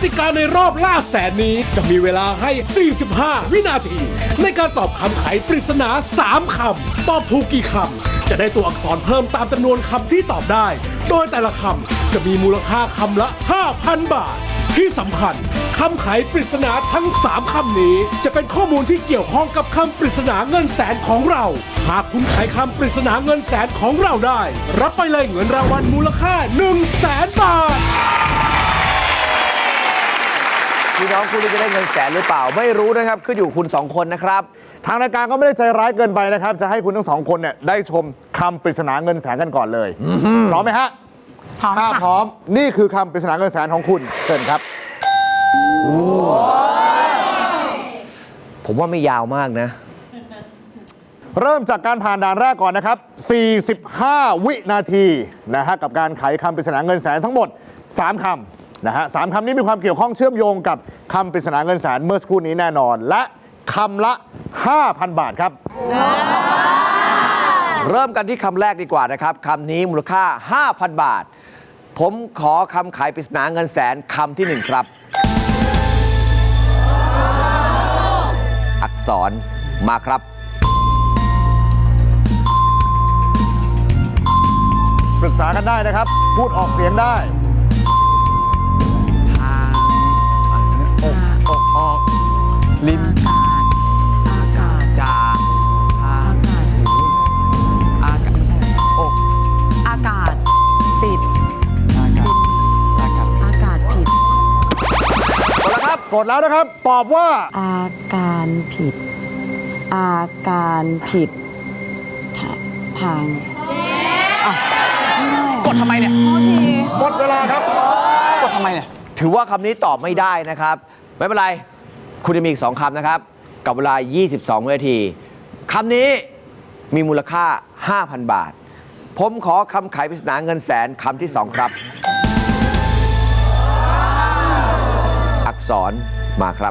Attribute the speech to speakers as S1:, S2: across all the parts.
S1: ติกาในรอบล่าแสนนี้จะมีเวลาให้ 45 วินาที ในการตอบคำไขปริศนา 3 คำ ตอบถูกกี่คำ จะได้ตัวอักษรเพิ่มตามจำนวนคำที่ตอบได้ โดยแต่ละคำจะมีมูลค่าคำละ 5,000 บาท ที่สำคัญคำไขปริศนาทั้ง 3 คำนี้จะเป็นข้อมูลที่เกี่ยวข้องกับคำปริศนาเงินแสนของเรา หากคุณไขคำปริศนาเงินแสนของเราได้ รับไปเลยเงินรางวัลมูลค่า 100,000 บาท
S2: พี่น้องคุณจะได้เงินแสนหรือเปล่าไม่รู้นะครับขึ้นอยู่คุณ2คนนะครับ
S3: ทางรายการก็ไม่ได้ใจร้ายเกินไปนะครับจะให้คุณทั้ง2คนเนี่ยได้ชมคำปริศนาเงินแสนกันก่อนเลยพร้อมไหมฮะ
S4: พร้อม
S3: ถ้า
S4: ค่ะ
S3: พร้อมนี่คือคำปริศนาเงินแสนของคุณเชิญครับ
S2: ผมว่าไม่ยาวมากนะ
S3: เริ่มจากการผ่านด่านแรกก่อนนะครับ45 วินาทีนะฮะกับการไขคำปริศนาเงินแสนทั้งหมด3 คำนะฮะ3 คำนี้มีความเกี่ยวข้องเชื่อมโยงกับคำปริศนาเงินแสนเมื่อสักครู่นี้แน่นอน และคำละ 5,000 บาทครับ
S2: เริ่มกันที่คำแรกดีกว่านะครับคำนี้มูลค่า 5,000 บาท ผมขอคำขายปริศนาเงินแสนคำที่ 1 ครับ อักษรมาครับ
S3: ปรึกษากันได้นะครับ พูดออกเสียงได้
S5: อกออกลิ้น
S4: อากาศ
S5: จาทา
S4: อากาศ
S5: อากาศไม่ใช่อก
S4: อากาศติด
S5: อากาศอากาศ
S4: อากาศผิด
S2: หมดแล้วครับ
S3: กดแล้วนะครับ ตอบว่า
S4: อาการผิด อาการผิดทางไม่ได้
S5: กดทำไมเนี่ย
S4: โทษที
S3: หมดเวลาครับ
S5: กดทำไมเนี่ย
S2: ถือว่าคำนี้ตอบไม่ได้นะครับ ไม่เป็นไร คุณจะมีอีก 2 คำนะครับ กับเวลา 22 วินาทีคำนี้มีมูลค่า 5,000 บาท ผมขอคำขายปริศนาเงินแสนคำที่ 2 ครับ อักษรมาครับ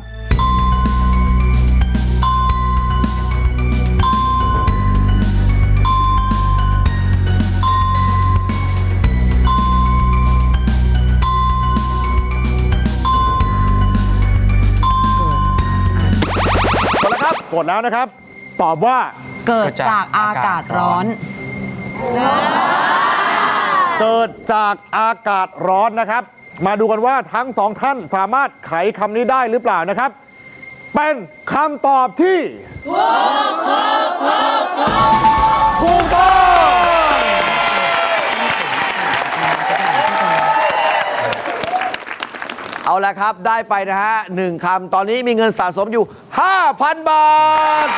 S2: หมดแล้วครับ
S3: กดแล้วนะครับ ตอบว่า
S4: เกิดจากอากาศร้อน
S3: เกิดจากอากาศร้อนนะครับ มาดูกันว่าทั้ง 2 ท่านสามารถไขคำนี้ได้หรือเปล่านะครับ เป็นคำตอบที่ถูกต้อง
S2: เอาละครับ ได้ไปนะฮะ1 คำ ตอนนี้มีเงินสะสมอยู่ 5,000 บาท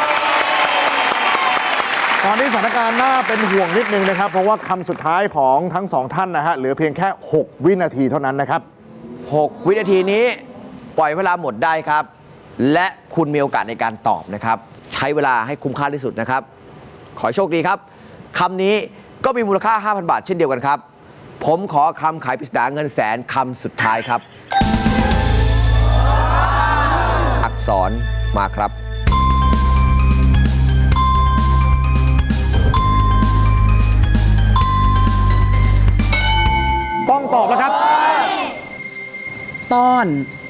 S3: ตอนนี้สถานการณ์น่าเป็นห่วงนิดนึงนะครับ เพราะว่าคำสุดท้ายของทั้ง 2 ท่านนะฮะเหลือเพียงแค่ 6 วินาทีเท่านั้นนะครับ
S2: 6 วินาทีนี้ปล่อยเวลาหมดได้ครับ และคุณมีโอกาสในการตอบนะครับ ใช้เวลาให้คุ้มค่าที่สุดนะครับ ขอให้โชคดีครับคำนี้ก็มีมูลค่า 5,000 บาทเช่นเดียวกันครับ ผมขอคำขายปริศนาเงินแสนคำสุดท้ายครับ อักษรมาครับ
S3: ต้องตอบแล้วครับ
S4: ต้อน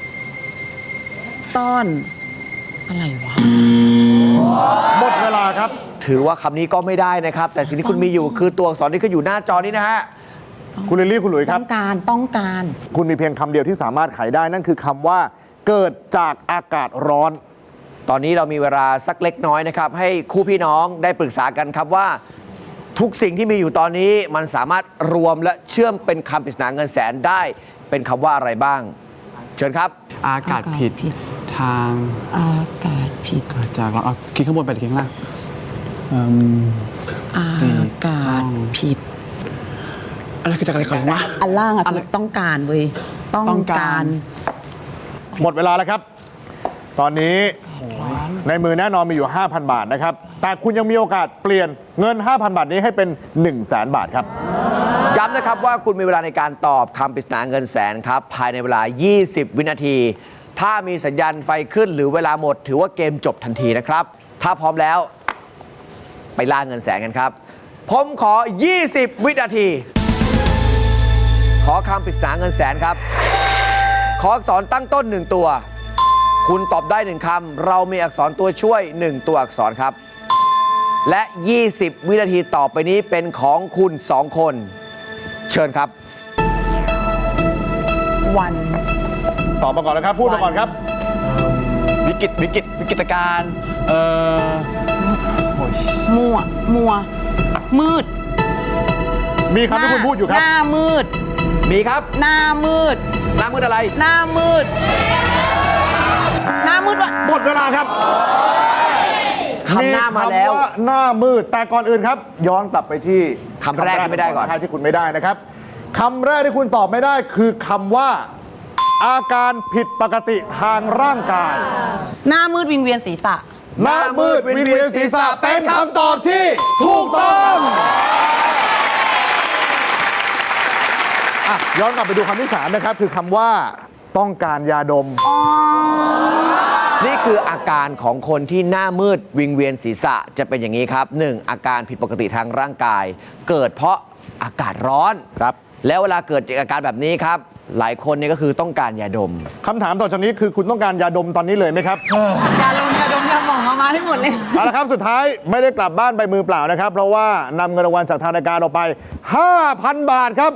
S4: อะไรวะ
S3: หมดเวลาครับ
S2: ถือว่าคำนี้ก็ไม่ได้นะครับ แต่สิ่งที่คุณมีอยู่คือตัวอักษรที่ขึ้นอยู่หน้าจอนี้นะฮะ
S3: คุณลิลลี่คุณหลุยส์ค
S4: ต้
S3: รั
S4: อบ งการ
S3: คุณมีเพียงคำเดียวที่สามารถไขได้นั่นคือคำว่า เกิดจากอากาศร้อน
S2: ตอนนี้เรามีเวลาสักเล็กน้อยนะครับ ให้คู่พี่น้องได้ปรึกษากันครับว่า ทุกสิ่งที่มีอยู่ตอนนี้มันสามารถรวมและเชื่อมเป็นคำปริศนาเงินแสนได้ เป็นคำว่าอะไรบ้าง เชิญครับ
S5: อากาศผิดทาง
S4: อากาศผิด
S5: เกิดจากเราเอาคลิกข้างบนไปหรือคลิกข้างล่าง
S4: อากาศผิด
S5: อะไรคือจากอะไรก่อนวะ
S4: อันล่างอะคือต้องการเว้ย ต้องการ
S3: หมดเวลาแล้วครับ ตอนนี้ในมือแน่นอนมีอยู่ 5,000 บาทนะครับ แต่คุณยังมีโอกาสเปลี่ยนเงิน 5,000 บาทนี้ให้เป็น 100,000 บาทครับ
S2: ย้ำนะครับว่าคุณมีเวลาในการตอบคำปริศนาเงินแสนครับ ภายในเวลา 20 วินาที ถ้ามีสัญญาณไฟขึ้นหรือเวลาหมด ถือว่าเกมจบทันทีนะครับ ถ้าพร้อมแล้ว ไปล่าเงินแสนกันครับ ผมขอ 20 วินาที ขอคำปริศนาเงินแสนครับขออักษรตั้งต้น 1 ตัว คุณตอบได้ 1 คำ เรามีอักษรตัวช่วย 1 ตัวอักษรครับ และ 20 วินาทีต่อไปนี้เป็นของคุณ 2 คน เชิญครับ
S4: วัน
S3: ตอบมาก่อนนะครับ พูดมาก่อนครับ
S5: วิกฤตการณ์โอ้ย
S4: มัว มืด
S3: มีคำที่คุณพูดอยู่ครับ
S4: หน้ามืด
S2: มีครับ
S4: หน้ามืด
S2: น้ำมืดอะไร
S4: หน้ามืด หน้ามืดวะ
S3: หมดเวลาครับ
S2: คำหน้ามาแล้ว
S3: คำหน้ามืด แต่ก่อนอื่นครับ ย้อนกลับไปที่
S2: คำแรกที่ไม่ได้ก่อน
S3: ที่คุณไม่ได้นะครับคำแรกที่คุณตอบไม่ได้คือคำว่า อาการผิดปกติทางร่างกาย
S4: หน้ามืดวิงเวียนศีรษะ
S3: หน้ามืดวิงเวียนศีรษะเป็นคำตอบที่ถูกต้องอ่ะย้อนกลับไปดูคำที่สามนะครับ คือคำว่าต้องการยาดม
S2: นี่คืออาการของคนที่หน้ามืดวิงเวียนศีรษะจะเป็นอย่างนี้ครับ 1. อาการผิดปกติทางร่างกาย เกิดเพราะอากาศร้อน
S3: ครับ
S2: แล้วเวลาเกิดอาการแบบนี้ครับ หลายคนเนี่ยก็คือต้องการยาดม
S3: คำถามต่อจากนี้คือคุณต้องการยาดมตอนนี้เลยไหมครับ
S4: ยาดมยาหมองมาให้หมดเลย
S3: เอาละครับ สุดท้ายไม่ได้กลับบ้านไปมือเปล่านะครับ เพราะว่านำเงินรางวัลจากทางรายการออกไป 5,000 บาทครับ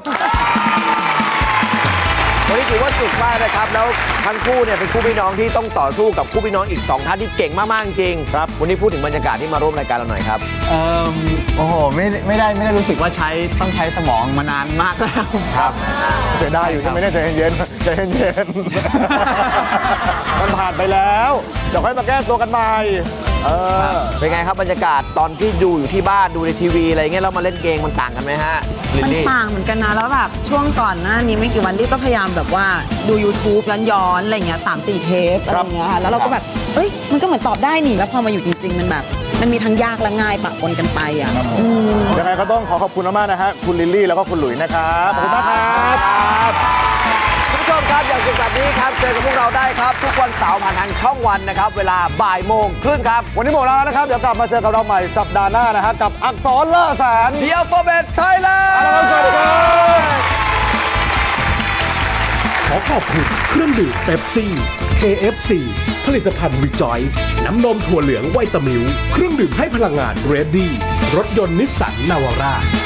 S2: วันนี้ถือว่าสุดมากนะครับ แล้วทั้งคู่เนี่ยเป็นคู่พี่น้องที่ต้องต่อสู้กับคู่พี่น้องอีก 2 ท่านที่เก่งมากๆจริง
S3: ครับ
S2: วันนี้พูดถึงบรรยากาศที่มาร่วมรายการเราหน่อยครับ
S5: โอ้โหไม่ได้รู้สึกว่าต้องใช้สมองมานานมากแล้ว
S2: ครับ
S3: เสียดายอยู่ใช่ไหมเนี่ยใจเย็นๆใจเย็นๆ มันผ่านไปแล้วเดี๋ยวค่อยมาแก้ตัวกันใหม่
S2: เป็นไงครับบรรยากาศตอนที่ดูอยู่ที่บ้านดูในทีวีอะไรเงี้ยแล้วมาเล่นเกมมันต่างกันไหมฮะลิล
S4: มัน
S2: ลี่
S4: ต่างเหมือนกันนะ แล้วแบบช่วงก่อนหน้านี้ไม่กี่วันที่ก็พยายามแบบว่าดู YouTube ย้อนอะไรเงี้ย3-4 เทปอะไรเงี้ยค่ะแล้วเราก็แบบเอ้ยมันก็เหมือนตอบได้นี่แล้วพอมาอยู่จริง ๆ มันแบบมันมีทั้งยากและง่ายปะปนกันไปอ่ะ
S3: ยังไงก็ต้องขอบคุณมากๆนะฮะคุณลิลลี่แล้วก็คุณหลุยนะครับ ขอบคุณมากครับ
S2: ครับคุณผู้ชมครับอย่างสุดแบบนี้ครับเจอกับพวกเราได้ครับ ทุกวันเสาร์ผ่านทางช่องวันนะครับ เวลาบ่ายโมงครึ่งครับ
S3: วันนี้หมดแล้วนะครับ เดี๋ยวกลับมาเจอกับเราใหม่สัปดาห์หน้านะฮะกับอักษรล่าแสน
S2: The Alphabet Thailand
S3: สวัสดีครับ
S1: ขอขอบคุณเครื่องดื่มเป๊ปซี่ KFC ผลิตภัณฑ์ Rejoice น้ำนมถั่วเหลืองไวตามิลเครื่องดื่มให้พลังงาน Ready รถยนต์นิสสันนาวาร่า